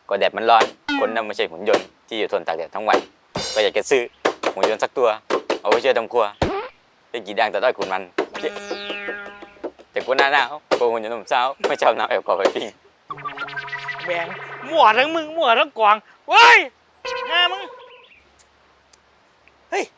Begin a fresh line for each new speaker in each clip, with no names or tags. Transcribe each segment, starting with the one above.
ก็แดดมันร้อนคนนั้นไม่ใช่หุ่นยนต์ที่อยู่ทนตากแดดทั้งวันก็อยากจะซื้อหุ่นยนต์สักตัวเอาไว้ช่วยทำครัวได้กี่ดังแต่ด้อยขุนมันแต่กูหน้าหนาวกูหุ่นยนต์หนุ่มสาวไม่ชอบน้ำแอบกอไปปิ้ง
แบงมั่วทั้งมึงมั่วทั้งกวางเว้ยหน้ามึงเฮ้ย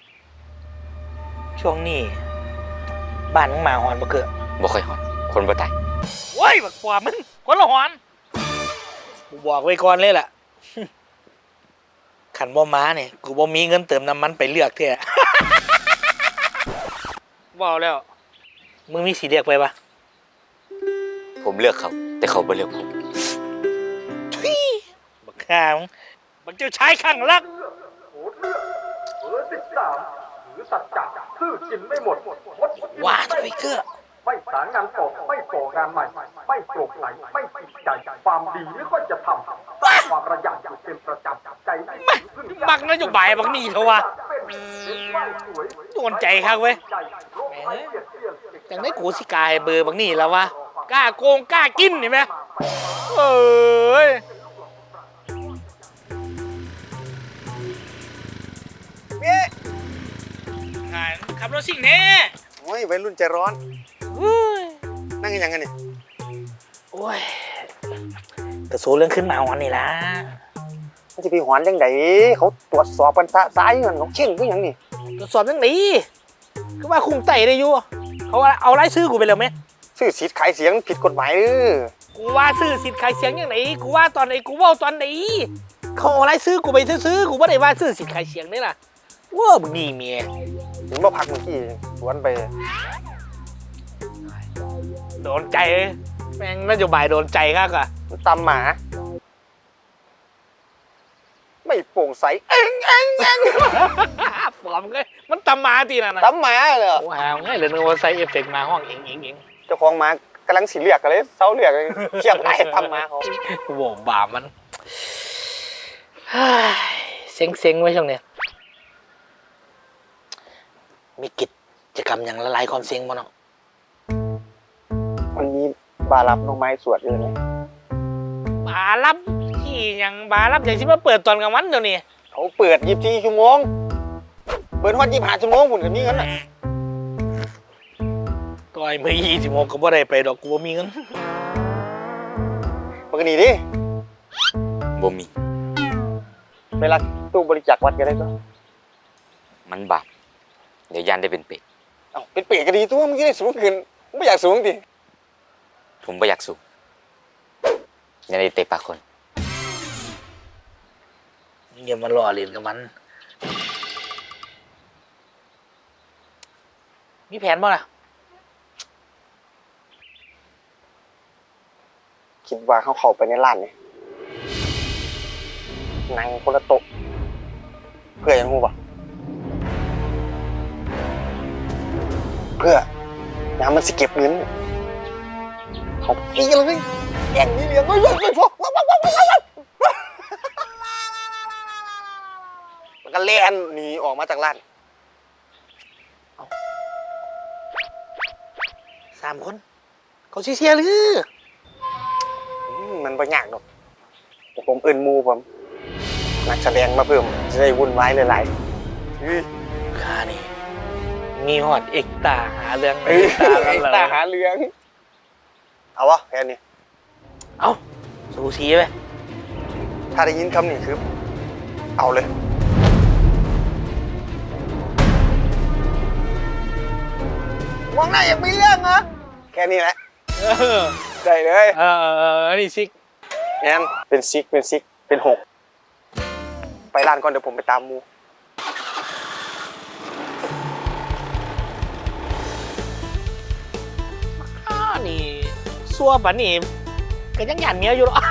ช่วงนี้บ้านมึงหมาหอนบ่เกิด
บ่ค่อยหอนคนบ่ตาย
เว้ยบักกว่ามึงคนละหอนกูบอกไว้ก่อนเลยล่ะขันบ่ม้าเนี่ยกูบ่มีเงินเติมน้ำมันไปเลือกเท่บอกแล้วมึงมีสีเลือกไปปะ
ผมเลือกเขาแต่เขาไม่เลือกผม
บักข้ามึงเจ้าชายข้างรักว้าทวิกเกอร์
ไม่สารงานต่อไม่ก่องานใหม่ไม่โปร่งใสไม่ติดใจความดีไม่ค่อยจะทำความระยำอยู่เป็นประจำใจ
บักนโยบายบักนี่เถอะวะโดนใจครับเว้ยอย่างได้กูสิกายเบอร์บักนี่แล้ววะกล้าโกงกล้ากินเห็นไหมเอ้ยขับรถสิ่งแน่
โอ้ยวัยรุ่นใจร้อนนั่งกันยังไงนี่
โอ้ยกระโซเรื่องขึ้นมาวันนี้ละ
มันจะไปหอนยังไงเขาตรวจสอบกันซ้ายเงินเขาเข่งก็ยังนี่
ตรวจสอบยังไงคือว่าคุมไต่ได้อยู่เขาเอาไล่ซื้อกูไปแล้วไหม
ซื้อสิทธิ์ขายเสียงผิดกฎหมาย
กูว่าซื้อสิทธิ์ขายเสียงยังไงกูว่าตอนไหนกูว่าตอนไหนเขาเอาไล่ซื้อกูไปซื้อกูไม่ได้ว่าซื้อสิทธิ์ขายเสียงนี่ล่ะว้ามึงนี่เมีย
ถึงมาพักเมื่อกี้สวนไป
โดนใจแม่งนโยบายโดนใจครับอ่ะ
ตำหมาไม่โปร่งใส
ปลอมเลยมันตำหมาตีน่ะนะ
ตำหมาเลย
ว้าวง่ายเลยนึกว่าใส่เอฟเฟกต์มาห้องเอง
เจ้าของหมากำลังสีเหลือกกันเลยเสาเหลือกเขียบไหลตำหมาเขา
โว้บามันเซ็งไว้ช่วงนี้มีกิจกรรมอย่างละลายความเซ็งมั้งเนาะ
วันนี้บารับน้องไม้สวดเลยนะ
บารับที่ยังบารับอย่างที่มาเปิดตอนกลางวันเดี๋ยวนี้
เขาเปิด24 ชั่วโมงเปิดวัน25 ชั่วโมงหุ่นกันนี่งั้นน่ะ
ต่อยมือ20 โมงก็บ่ได้ไปดอกกูบ่มีเงิน
ปกติดิ
บ่มี
เวลาตู้บริจาควัดก็ได้ก็
มันบาปเดี๋ยวยันได้เป็นเป็ด
เป็นเป็ดก็ดีตัวมึงจะได้สูงขึ้นไม่อยากสูงดิ
ผมไม่อยากสูงยันได้เตะปากคน
อย่ามาหล่อเล่นกับมันมีแผนบ่ล่ะ
คิดว่าเขาเข้าไปในร้านนี่นั่งคนละโต๊ะเพื่อยังงูป่ะเพื่อยามมันสิเก็บเงินเขาตีเลยแย่งนี่เลี้ยงไม่พอมันก็เล่นหนีออกมาจากร้าน
3 คนเขาเชียร์หรือ
มันไม่ยากหรอกแต่ผมเอิ้นมูผมนักแสดงมาเพิ่มจะได้วุ่นวายหลาย
ๆข้านี่มีฮอดเอกตาหาเรื่อง
เอกตาหาเรื่องเอาวะแค่นี้
เอาสูสีไป
ถ้าได้ยินคำนี้คือเอาเลยมองหน้าอย่างมีเรื่องเหรอแค่นี้แหละได้เลย
นี่ซิก
แอนเป็นซิกเป็น6ไปร้านก่อนเดี๋ยวผมไปตามมู
นี่ซัวปะนี่ก็ยังหยันเมียอยู่หรอ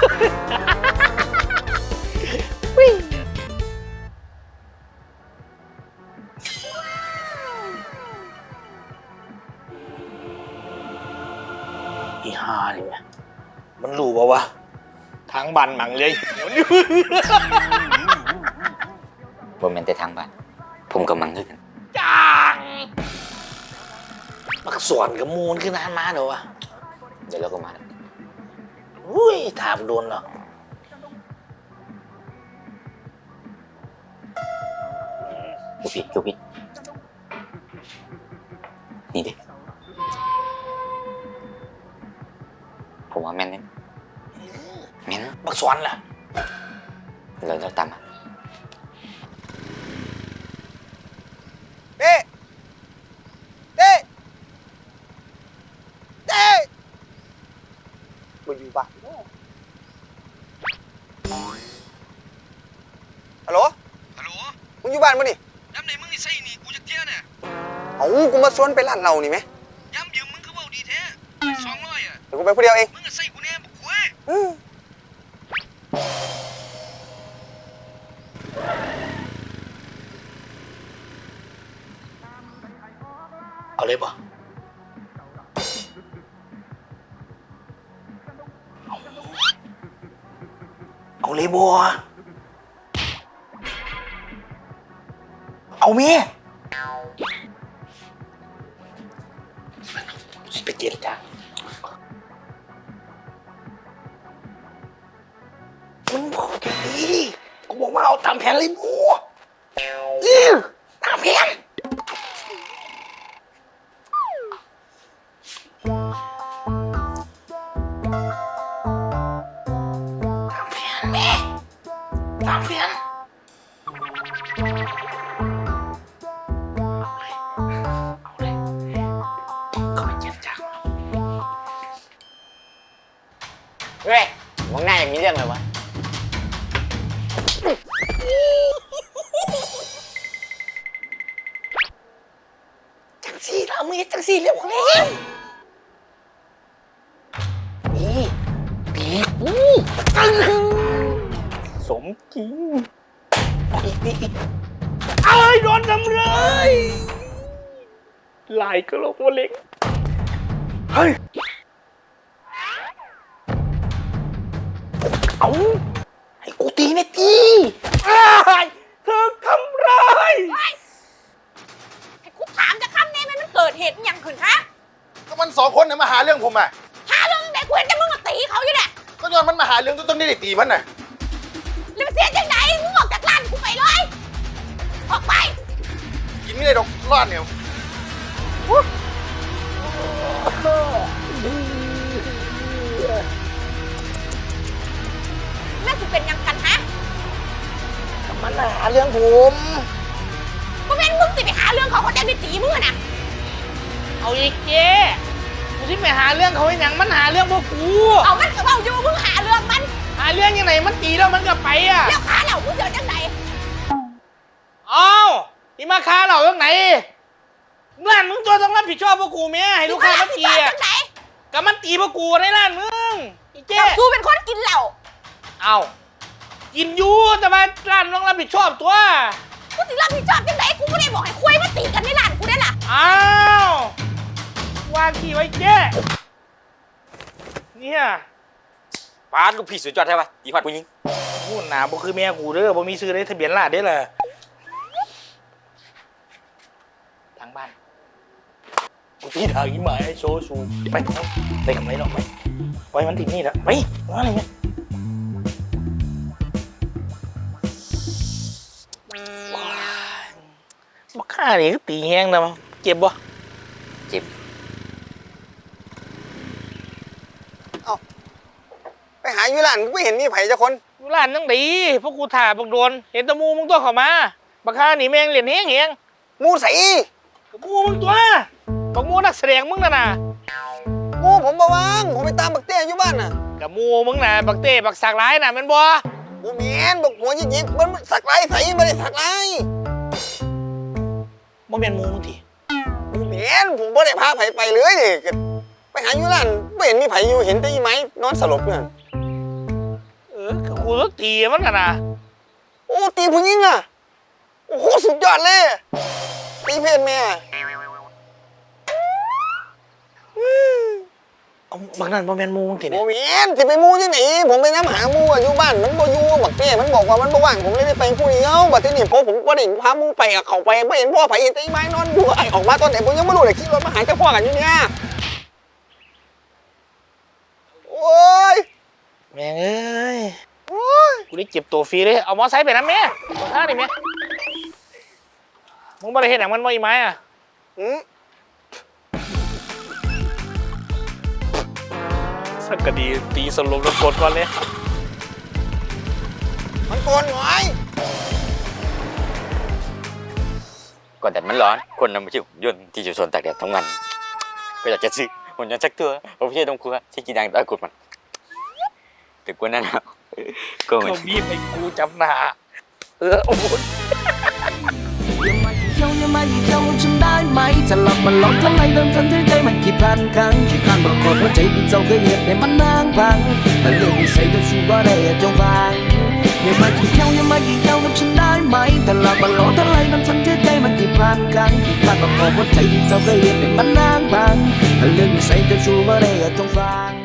อีห่าเนี่ยมันรู้ป่าวะทางบันหมังเลย
บ่แม่นแต่ทางบ้านผมกับมังคือกัน
จังมักสวนกับมูลขึ้นนานมาเดี๋ยววะ
เดี๋ยวเราก็มา
อุ้ยถามโดนหรอ
ดูพี่นี่ดิผมว่าแม่นเนี่ยแม่น
บักสวนล่ะ
เราตามมา
เต้เต้เต้มันอยู่บ้านฮัลโหลมึงอยู่บ้านมั้ยนี่
ย้ำไหนมึงนี่ใส่นี่กูจะเที่ยเนี่ย
เอากูมาชวนไปร้านเรานี่ไหม
ย้ำยืมมึงคือเว่าดีแท้200อ่ะ
เดี๋ยวกูไปผู้เดียวเอง
มึงก็ใส่กูแน่บอกกูเอ้ย
เอาเลยบ่เอาเลยบ่เอาเมียไปเจรจามึงบอกแค่นี้กูบอกว่าเอาตามแผนเลยบัวตามแผนตามแผนเอาเลยก็ไปเจรจา
เฮ้ยมองหน้าอย่างมีเรื่องเลยวะ
จังสี่ละมึงจังสี่เรียกว่าไงนี่ปีกูสมจริงอีกเอ้ยโดนทำเลยลายก็โลกว่าเล็กเฮ้ยเอาให้กูตีนะตีเธอทำร้าย
ให้กูถามจะคำนี้มันเกิดเหตุอหย่างขึ้นคะ
ก็มัน2 คนน่ะมาหาเรื่องผมอ่ะ
หาเรื่องไหนกูเห็นแต่มึงมาตีเขาอยู่เนี่ย
ก็ย้อนมันมาหาเรื่องต้นได้ตีมันน่ะ
แล้วมันเสียจังไหนมึงออกจากร้านกูไปเลยออกไป
กินไม่ได้ดอกรอดเนี่ย
แม่กูเป็นหยังกันฮะ
มันหาเรื่องผม
กูเป็นมึงสิไปหาเรื่องเขาเขาจะได้ตีมึงอะนะ
เอาอีกเจ๊กูที่ไปหาเรื่องเขาไอ้หยังมันหาเรื่องพวกกู
เอามันก็เอาอยู่มึงหาเรื่องมัน
หาเรื่องยังไงมันตีแล้วมันก็ไปอ่ะ
แล้วขาเหล่ามึงเสียจังไหน
เอาที่มาค้าเราเรื่องไหนร้านมึงตัวต้องรับผิดชอบพวกกูเมียให้ลูกค้ามาตี
มึง
อ่ะ
จังไหน
ก็มันตีพวกกูในร้านมึงอีเจ๊
กับกูเป็นคนกินเหล้า
เอากินอยู่แต่ว่าร้านต้องรับผิดชอบตัว
กูสิรับผิดชอบจังไหนกูไม่ได้บอกให้คุยมาตีกันในร้านกูได้ล่ะ
อ้าววางขี้ไว้เจ๊เนี่ย
ปาดลูกพี่สุดยอดใช่ปะตีพัดผู้หญิง
พูดหนาบ่คือแม่กูเด้อบ่มีซื้อได้ทะเบียนราษฎร์เด้อล่ะทางบ้านกูที่ทางอีหมายไอ้โชว์ชูไปได้กำไรหรอกไปไว้มันติดนี่แล้วไปว่าอะไรเนี่ยบักฆ่านี่ก็ตีแห้งนะมั้งเจ็บบ่
เจ็บ
ไปหาอยู่ร้านกูไม่เห็นมีไผจักคน
อยู่ร้านตั้งดีพวกกูถ่าบักโดนเห็นแตะมูมึงตัวเข้ามาบักฆ่านี่แม่งเหรียญแห้งแห้ง
หมูใส
กับมูมึงตัวบักมูนักแสดงมึงน่ะนะ
หมูผมบ่ว่างผมไปตามบักเต้อยู่บ้านน่ะ
กับมูมึงน่ะบักเต้บักสักร้ายน่ะแมันบ่
กูแม่นบักหัวหยิกๆมันสักลายใสไม่ได้สักลาย
บ่แม่นมูมึงที
กูแม่นผมบ่ได้พาไผไปเลยนี่ก็ไปหาอยู่ร้านไม่เห็นมีไผอยู่เห็นแต่อีไม้นอนสลบอยู่นั่น
กับกูต้องตีมันน่ะนะ
โอ้ตีผู้หญิงอ่ะโอ้โหสุดยอดเลยตีเพศแม่
เอาบักนั่นบ่แม่นมูมึงที
โม
เนี่ย
เมนสิไปมูที่ไหนผมไปน้ำหามูอะอยู่บ้านมันบ่อยู่บักเต้มันบอกว่ามันบ่ว่างผมเลยได้ไปผู้เดียวบัดนี้ผมบ่ได้พามูไปอะเขาไปบ่เห็นพ่อไผเห็นแต่อีไม้นอนอยู่ไอ้ออกมาตอนไหนผมยังไม่รู้เลยขี่รถมาหาเจ้าพ่อกันอยู่เนี่ยโอ้ย
แม่งเอ้ย
โอ้ย
กูได้เจ็บตัวฟรีเลยเอามอไซค์ไปนะแม่ตัวท่านี่แม่มึงบ่ได้เห็นอย่างมันว่าอีไม้อะ
อืม
สักกะดีตีสลบแล้วกดก่อนเลย
มันโกนหน่อย
ก่อนแดดมันร้อนคนนำมาชื่อหุ่นยนต์ที่อยู่ทนตากแดดทั้งวันก็อยากจะซื้อหุ่นยนต์สักตัวเอาไปใช้ตรงครัวที่กินดังตะกุดมันแต่กูนั่นแล้วก็เหมือน
เขาบีบให้กูจำหน้าโอ้โห
อย่ามาเยี่ยวอย่ามาเยี่ยวฉันได้ไหมจะหลับมันหลอกทำไมเดินทันที่ใจมันกี่พันครั้งกี่ครั้งบอกคนหัวใจที่เจ้าเคยเหยียบในมันนางพังแต่เรื่องนิสัยเจ้าชู้ว่าได้จงฟังอย่ามาเยี่ยวอย่ามาเยี่ยวกับฉันได้ไหมแต่หลับมันหลอกทำไมเดินทันที่ใจมันกี่พันครั้งกี่ครั้งบอกคนหัวใจที่เจ้าเคยเหยียบในมันนางพังแต่เรื่องนิสัยเจ้าชู้ว่าได้จงฟัง